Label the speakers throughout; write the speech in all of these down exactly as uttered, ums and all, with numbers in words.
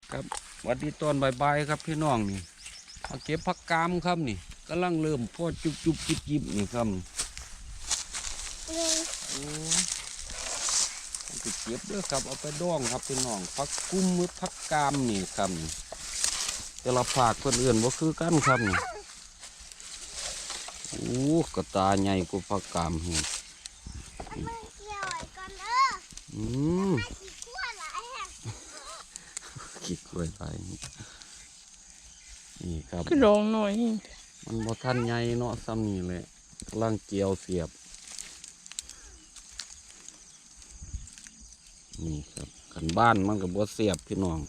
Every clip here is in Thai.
Speaker 1: ครับวันที่ตอนบ่ายๆครับพี่น้องนี่มาเก็บผักกามครับนี่กำลังเริ่มพอจุบจุบจิบจิบนี่ครับโอ้จะเก็บเด้อครับเอาไปดองครับพี่น้องผักกุ้มมือผักกามนี่ครับแต่ละภาคคนอื่นว่าคือกันครับนี่โอ้กระตาใหญ่กว่าผักกามเห็นอืมขี้กล้วยไรนี่ครับ
Speaker 2: ก็ลองหน่อย
Speaker 1: มันบ่ทันใหญ่เนาะซ้ำนี่เลยล่างเกียวเสียบนี่ครับขันบ้านมันกับบ่เสียบพี่น้อง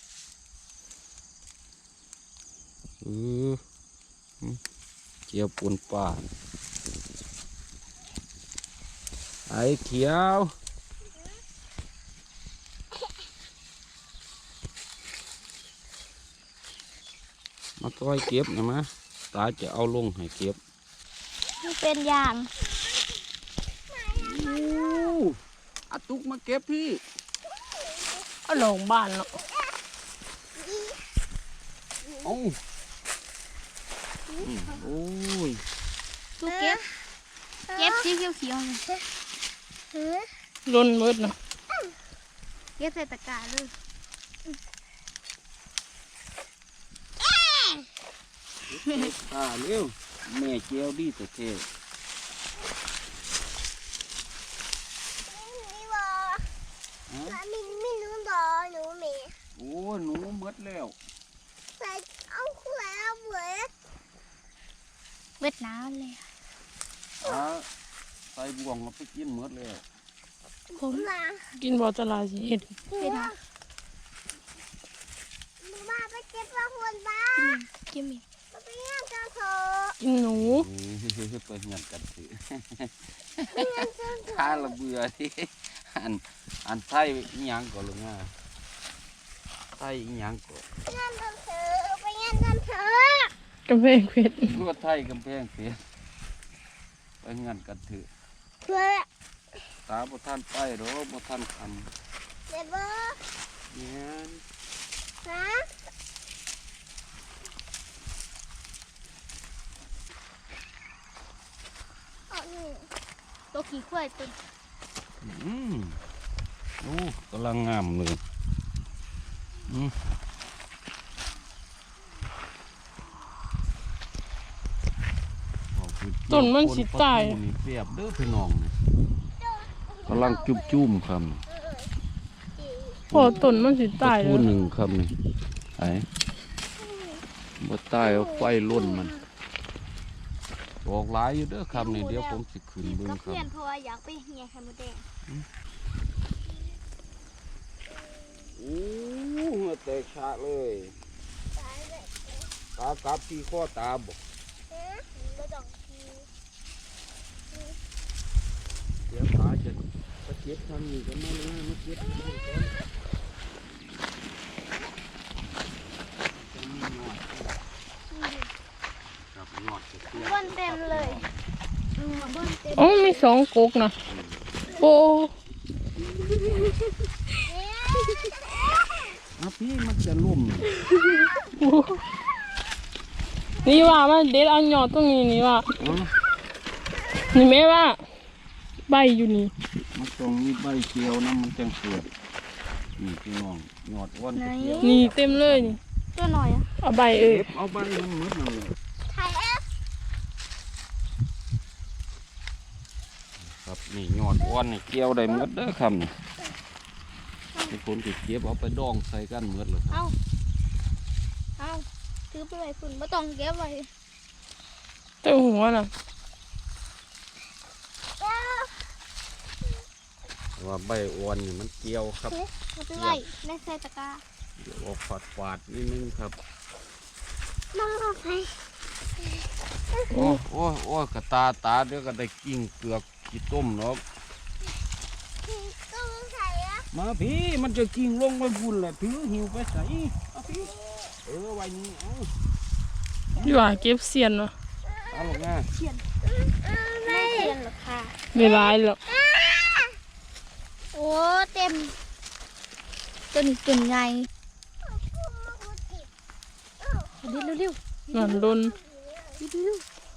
Speaker 1: เออเกียวปูนป่านไอ้เขียวมาต้อยเก็บนะมะตาจะเอาลงให้เก็บ
Speaker 3: นี่เป็นอย่าง
Speaker 1: อาตุกมาเก็บพี่
Speaker 2: เอาลงบ้านเนาะ
Speaker 1: โอ้โอ้ย
Speaker 3: ลูกเก็บเก็บสีเขียว
Speaker 2: ล้นมืดเนาะ
Speaker 3: เก็บใส่ตะกร้าเลย
Speaker 1: อ่าเร็วแม่เจียวดีแต่เท่
Speaker 3: มินมินหนูดอหนูเมย์
Speaker 1: โอ้หนูมดแล้ว
Speaker 3: ใส่เอาคู่แล้วเบิดเบิดน้ำเลย
Speaker 1: อ่าใส่บ่วงเราไปกินมดแล้ว
Speaker 2: ผมกินบอตลาดสิเห็ด
Speaker 3: เป็นอะหนูมาไปเก็บปลาหุ่นบ้ากินมิไปเลี้ยงเจ้าโถ
Speaker 2: กินหนู
Speaker 1: ไปเงียบกันสิข้าละเบื่อที่อันอันไทยอีหยังก่อนลุงอ่ะไทยอีหยังก่อน
Speaker 3: งานกันเถอะไปงานกันเถอะ
Speaker 2: กำแพงเพชร
Speaker 1: ว่าไทยกำแพงเพชรไปงานกันเถอะ
Speaker 3: เพื่อ
Speaker 1: ตาบ่ท่านไปหรอบ่ท่านค
Speaker 3: ำเด็บเบอร์
Speaker 1: เนี่ย
Speaker 3: ฮะตัวขี้ควายตัว
Speaker 1: อืมโอ้กำลังงามเลยอืม
Speaker 2: ต้นมันสิตาย
Speaker 1: เปียบเด้อพี่น้องกำลังจุ่มจุ่มครับ
Speaker 2: พอต้นมันสิตาย
Speaker 1: แล้วหนึ่งครับนี่ไอ้บ่ตายเอาไฟล้นมันบอกหลายอยู่เด้อครับนี่เดี๋ยวผมสิขึ้นเบิ่งครับ
Speaker 3: เพื่อนเพราะว่าอยากไปเหี่ยไข่มดแดง
Speaker 1: โอ้หัวแตกฉะเลยตากับที่ข้อตาบอกเดี๋ยวตาจะจะเก็บทำนี่กันมาเลยมาเก็บ
Speaker 3: บนเต็มเลย
Speaker 2: อ๋อมีสองกุกนะโอ้
Speaker 1: อะพี่มันจะล่ม
Speaker 2: นี่ว่ามันเด็ดเอาหยอดตรงนี้นี่ว่านี่แม่ว่าใบอยู่นี่
Speaker 1: มันตรงนี้ใบเขียวนะมันจังเกิดนี่พี่น้องหยอดอ้วน
Speaker 2: นี่เต็มเลยนี่
Speaker 3: ตัวหน่อยอ่ะ
Speaker 2: เอาใบเอ้ย
Speaker 1: เอาใบมันหมดเลยครับนี่หยอดอ้วนนี่เกี่ยวได้หมดเด้อครับนี่ทุกคนติดเก็บเอาไปดองใส่กันหมดเลย
Speaker 3: เอาเอาถือไปไว้ฝุ่นไม่ต้องเก็บไว้
Speaker 2: เต้าหัวน่ะ
Speaker 1: ว่าใบอ้วนนี่มันเกี่ยวครับ
Speaker 3: ไม่เป็นไรในใส่ตะกร้า
Speaker 1: เดี๋ยวออกฝาดฝาดนิดนึงครับ
Speaker 3: น้องเอาไป
Speaker 1: โอ้โอ้โอ้กระตาตาเดี๋ยวก็ได้กิ้งเกลือกกี่ต้มเนาะมาพี่มันจะกิ้งลงไปบุญแหละถือหิวไปใส่เอาพี่เออไว้นี่เอา
Speaker 2: ดีว่าเก็บเสียนเนาะ
Speaker 1: เอาลงง่าย
Speaker 3: เสียนไม่เสียนหรอกค่ะ
Speaker 2: ไม่ร้ายหรอก
Speaker 3: โอ้เต็มต้นต้นใหญ่เด็ดเร็ว
Speaker 2: นอนลน
Speaker 3: ๆเร็ว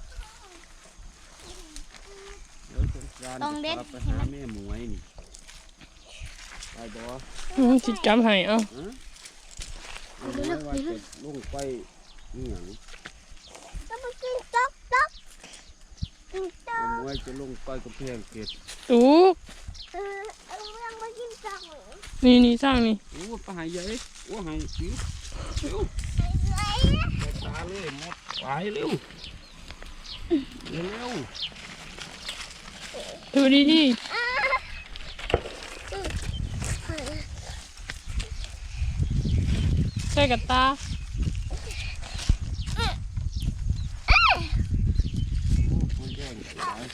Speaker 3: ต้องเด็ด
Speaker 1: ไปหาแม่หมวยนี่ไปบ่
Speaker 2: อืมสิจำให้เอา
Speaker 1: ฮะเอาไว้ว่าจะลงไปนี่หยัง
Speaker 3: ๆจะมากินต๊อกต๊อกกินต๊อ
Speaker 1: เอา
Speaker 3: ก
Speaker 1: ไว้จะลงไปกระแพงเกต
Speaker 2: ตูก
Speaker 3: เออเอาเรื่องมากินต๊อกเหรอ
Speaker 2: นี่นี่สร้างนี่
Speaker 1: โอ้ไปหายใหญ่โอ้หายสิวเร็ว
Speaker 3: ไอ้ไร
Speaker 1: ไปตาเลยหมดไปเร็วเร็ว
Speaker 2: ดูดีดี
Speaker 3: อ่า
Speaker 2: ๆใส่กับตา
Speaker 1: โอ้มันแย่งหลาย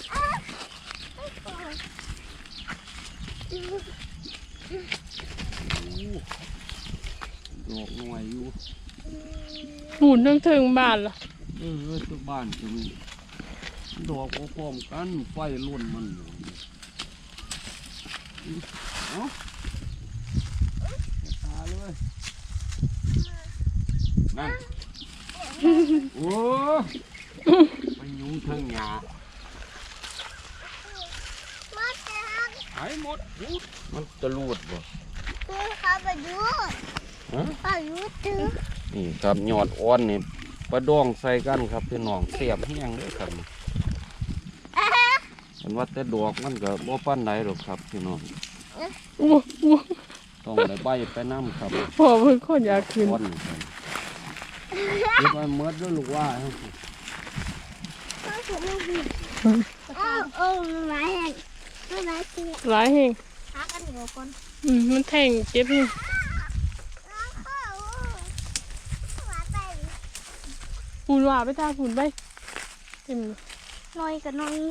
Speaker 1: โอ้ดอกหน่วยอยู่
Speaker 2: หูนทั้งถึงบ้านล่ะ
Speaker 1: เออเออตัวบ้านจะมีดอกพร้อมๆกันไฟล้นมันอยู่เอาตาเลยนั่นโอ้ไปยุ่งเทิงหยา
Speaker 3: มาจัง
Speaker 1: หายหมดอู้มันจะรูดบ่
Speaker 3: คือเขาไปดู
Speaker 1: ฮะ
Speaker 3: เขาดูตื้อ
Speaker 1: นี่ครับยอดอ่อนนี่ปลาดองใส่กันครับพี่น้องเสียบแห้งเลยครับมันว่าแต่ดอกมันก็บ่ปานใดหรอกครับพี่น้อง
Speaker 2: อู้อู้
Speaker 1: ต้องได้ใบไปน้ำครับ
Speaker 2: พ่อเพิ่นคนอยากขึ้น
Speaker 1: อ่อนครับเก็บไว้เมื่อด้วยลูกว่าครับ
Speaker 3: เขาถูกลูกบิดอ้าวโอ้ไม่ไหวไม่ไหวจริง
Speaker 2: หลายแห่ง
Speaker 3: หากันหัวคน
Speaker 2: อืมมันแทงเจ็บนี่ ปูนว่าไปทาปูนไปเต็มเลย
Speaker 3: น้อยกับน้อย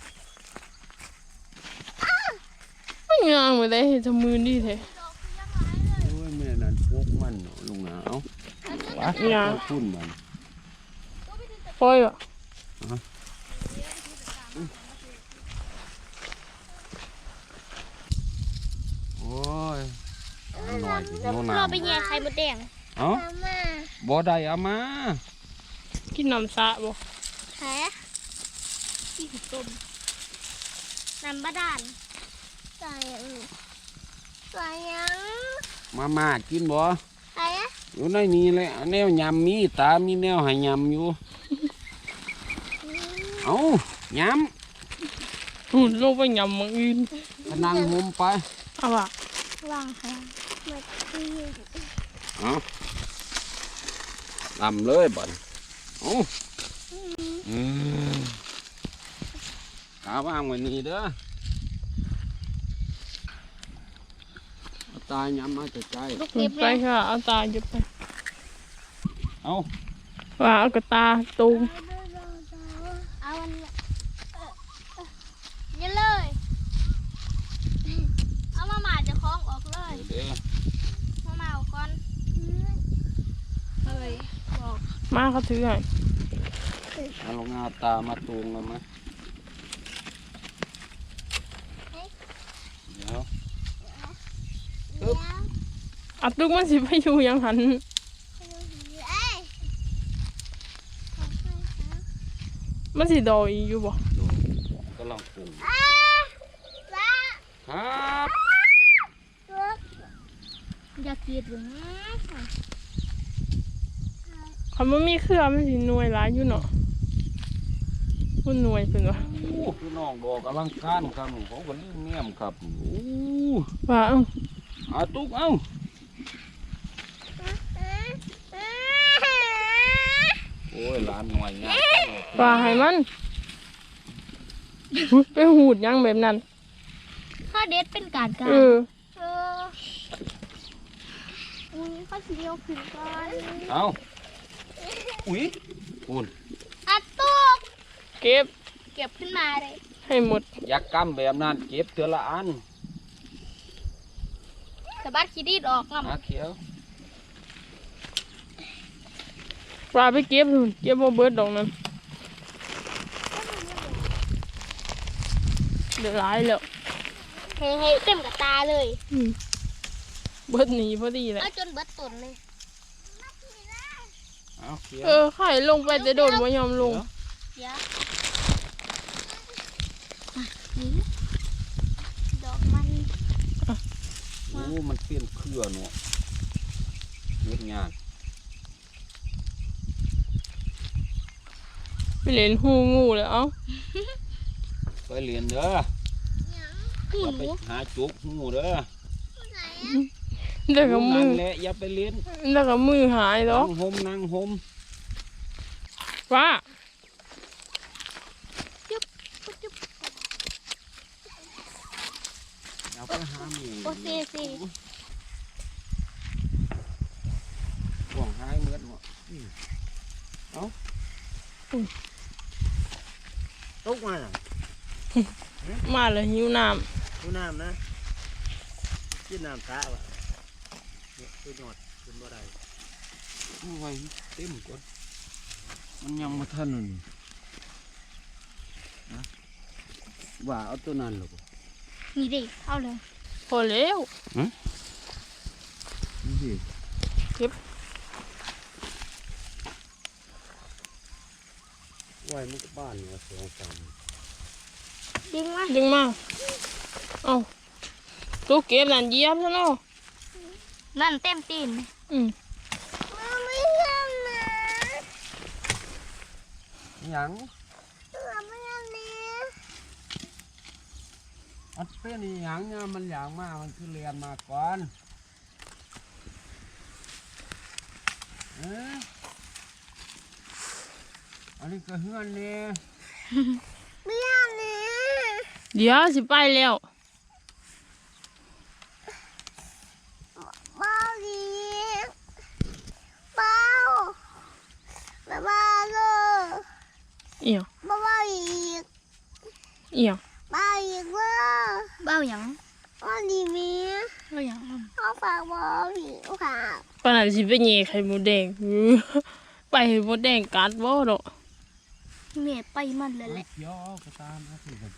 Speaker 2: ไม่งามเลยได้เห็นทำมือดีแท้
Speaker 1: โอ้ยแม่นั่นพวกมันเนาะลุงหนาววะพุ่นมัน
Speaker 2: ปล่อยว่ะ
Speaker 1: โอ้ยเอาหน่อยสิโน่น
Speaker 3: เราไป
Speaker 1: น้ำ
Speaker 3: แย่ไข่มดแดง
Speaker 1: เอ้าบ่ได้เอามา
Speaker 2: กินน้ำสะบ่
Speaker 3: แผลที่หุบต้มน้ำบาดาลใส่ใส่ยัง
Speaker 1: มามากินบ่
Speaker 3: ใส่
Speaker 1: อยู่ในนี้แหละแนวยำมีตามีแนวให้ยำอยู่เอาย
Speaker 2: ปูนลงไปยำมังอื่น
Speaker 1: ำพนังหมไป
Speaker 2: เอาว่ะ
Speaker 3: วางค่ะมาที่
Speaker 1: เอาลำเลยบ่นเอาอืมกาว่างไว้นี่เด้อเอาตายยำมาจะใจ
Speaker 3: ลูก
Speaker 2: อื
Speaker 3: เก็
Speaker 2: ม
Speaker 3: บ
Speaker 2: ไป
Speaker 3: เลย
Speaker 2: ค่ะเอาตาหยุดไป
Speaker 1: เอา
Speaker 2: ว่าเอากระตาตูม
Speaker 3: เอาอันนี้นี่เลย เอามาหมาจะคล้องออกเลย
Speaker 1: เด้อ
Speaker 3: มาหมาเอาก่อนเฮ้ยบอก
Speaker 2: มาเขาถือให้
Speaker 1: เอาลงเอาตามาตูงแล้วมั้ยเดี๋ยว
Speaker 3: เดี๋ยว
Speaker 2: อัดตุกมันสิไปอยู่ยังหัน
Speaker 3: เอ้ย
Speaker 2: มันสิดอยอีกอยู่บ่
Speaker 1: ดูกำลังปรุง
Speaker 3: อ้าว้า
Speaker 1: ครับ
Speaker 3: อยากกินหรือ
Speaker 2: คำว่ามีเครือมันสิหน่วยหลายอยู่เนาะพุ่นหน่วยเพิ่นว่า
Speaker 1: โอ้พี่น้องดอกอลังการครับเขาก็ลืมเนียมครับโอ้
Speaker 2: ว่าเอ้า
Speaker 1: อาตุกเอ้าโอ้ยหลานหน่อยเนี่ย
Speaker 2: ว่าให้มันอุ๊ยไปหูดยังแบบนั้น
Speaker 3: ข้าเด็ดเป็นการการ
Speaker 2: เออ
Speaker 3: เอออุ้ยข้าสีเดียวขึ้นก่อน
Speaker 1: เอาอุ้ยคุณ
Speaker 3: อัดตุก
Speaker 2: เก็บ
Speaker 3: เก็บขึ้นมาเลย
Speaker 2: ให้หมด
Speaker 1: อยากกำแบบนั้นเก็บเถือละอัน
Speaker 3: สะบัดขี้ดีดออกง
Speaker 1: หาเขียว
Speaker 2: ว่าไปเก็บนู่นเก็บบ่เบิดดอกนั้นเดี๋ยวหลายแล้ว
Speaker 3: ำให้ให้เต็มกับตาเลย
Speaker 2: อืมเบิดหนีพอดีแหละ
Speaker 3: เอาจนเบิดตุนเลย
Speaker 1: เอาเขีย
Speaker 2: เออไข่ลงไปแต่โดดบ่ยอมลง
Speaker 3: เดี๋ยวอ่ะนี่ดอกมัน
Speaker 1: โอ้มันเปลี่ยนเครือเนาะเฮ็ดงาน
Speaker 2: ไปเล่นหูงูเลยเอ้า
Speaker 1: ไปเรียนเด้อ
Speaker 3: หู
Speaker 1: อย่า
Speaker 3: ห
Speaker 1: ไป
Speaker 3: นู
Speaker 1: หาจุกหูเด้อ
Speaker 3: ไหน
Speaker 2: แล้วก็มื
Speaker 1: นั่
Speaker 2: อน
Speaker 1: แหละอย่าไปเรียน
Speaker 2: แล้วก็มือหายแล้
Speaker 1: นั่
Speaker 2: ว
Speaker 1: งห่มนั่งห่ม
Speaker 2: ว่า
Speaker 3: จุ๊บจุ๊บจุ๊บ
Speaker 1: อย่าไปหาหมี
Speaker 3: โอเคสิ
Speaker 1: ห่วงหายเหมือนหมดเอา
Speaker 4: ตกมาหรอ
Speaker 2: มาเลยหิวน้
Speaker 4: ดูน้ำนะกินน้ำสระวะเนี่ยคือหยอดขึ้นบ่ได้
Speaker 1: เอาไว้เต็มก่อนมันยังมาทันนี่นะว่าเอาตัวนั้นหรอก
Speaker 3: นี่ดิเอาเลย
Speaker 2: ำพอแล้ว
Speaker 1: นี่สิ
Speaker 2: เก็บ
Speaker 1: ไว้มันก็บ้านเนี่ยสองสาม
Speaker 3: ดึงมา
Speaker 2: ดึงมาเอาตัวเก็บนั่นเหยียบซะเนาะ
Speaker 3: นั่นเต็มตีน
Speaker 2: อืม
Speaker 3: ไม่ทำนะ
Speaker 1: หยัง
Speaker 3: ไม่ทำนะ
Speaker 1: อันเป็นอีหยังเนี่ยมันอย่างมากมันคือเรียนมาก่อนเอ๊ะอันนี้ก็เฮือนเนี่ย
Speaker 3: ไม่ทำนะ
Speaker 2: เดี๋ยวสิไปแล้ว
Speaker 3: เบาดีเบาเบาเลย
Speaker 2: เอียง
Speaker 3: เบาอีก
Speaker 2: เอียง
Speaker 3: เบาอีกว่าเบาหยังเบาดีมีเบาหยังเอาฝากเบาอีกค่ะ
Speaker 2: ปานนั้นสิไปแย่ไข่มดแดง อื้อไปให้มดแดงกัดบ่ดอก
Speaker 3: เมียไปมันเลยแหละ
Speaker 1: เขียวเอากระตามนะสิครับ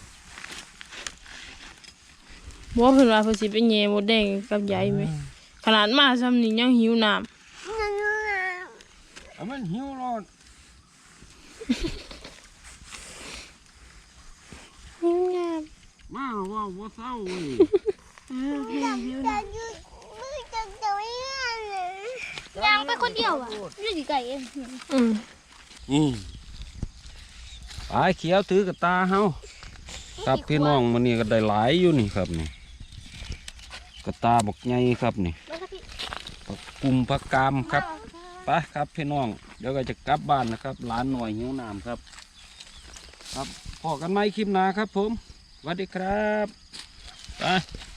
Speaker 2: บ่เพิ่นว่าเพิ่นสิไปแย่มดแดงกับยายไหมขนาดมาซ้ำนี่ยังหิวน้ำ
Speaker 1: เอามันหิวรอด
Speaker 2: หิวน้
Speaker 1: มาว่าว่าเศร้าเว้ย
Speaker 3: ยางไปคนเดียวอ่ะอยู่ที่ไก่เอง
Speaker 2: ำอืม
Speaker 1: นี่ปลาเขียวถือกระตาเฮาครับพี่น้องมันนี่ก็ได้หลายอยู่นี่ครับนี่กระตาบักใหญ่ครับนี่
Speaker 3: แล้วก็พี่
Speaker 1: ผักกุมผักกามครับไปครับพี่น้องเดี๋ยวก็จะกลับบ้านนะครับหลานหน่อยหิวน้ำครับ ครับพอกันไหมคลิปหน้าครับผมสวัสดีครับไป